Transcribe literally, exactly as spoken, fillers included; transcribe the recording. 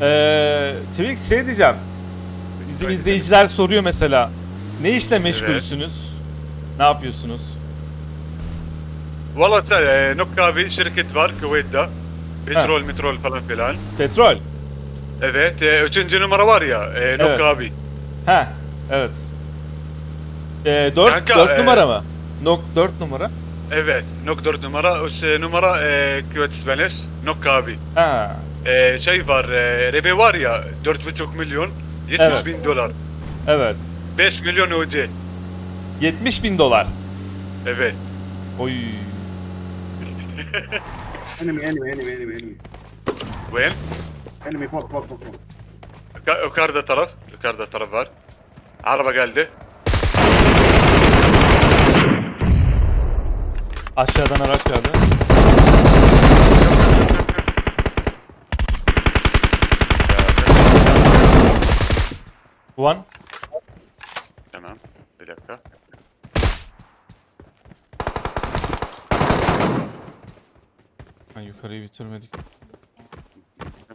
Ee, Twix şey diyeceğim. Bizim Öyle izleyiciler soruyor mesela. Ne işle Evet. meşgulsünüz? Ne yapıyorsunuz? والله تعال نوكا bir şirket var Kuveyt'te. Petrol, metrol falan filan. Petrol. Evet, e, üçüncü numara var ya, e, Nokka Evet. abi. Ha, evet. Ee, dört, Kanka, dört e, numara mı? Nok dört numara. Evet, Nok dört numara, üç numara e, Kuveyt İspanyol, Nokka abi. Ha, E, şey var, e, Rebe var ya, dört buçuk milyon, yetmiş Evet. bin dolar. evet. beş milyon öde. yetmiş bin dolar. Evet. Oy. Enemy, enemy, enemy, enemy, enemy. Vين؟ Enemy فوق فوق فوق فوق. Yuka- Yukarıda taraf, yukarıda taraf var. Araba geldi. Aşağıdan araç geldi. One. Tamam, bir dakika. Ha, yukarıyı bitirmedik.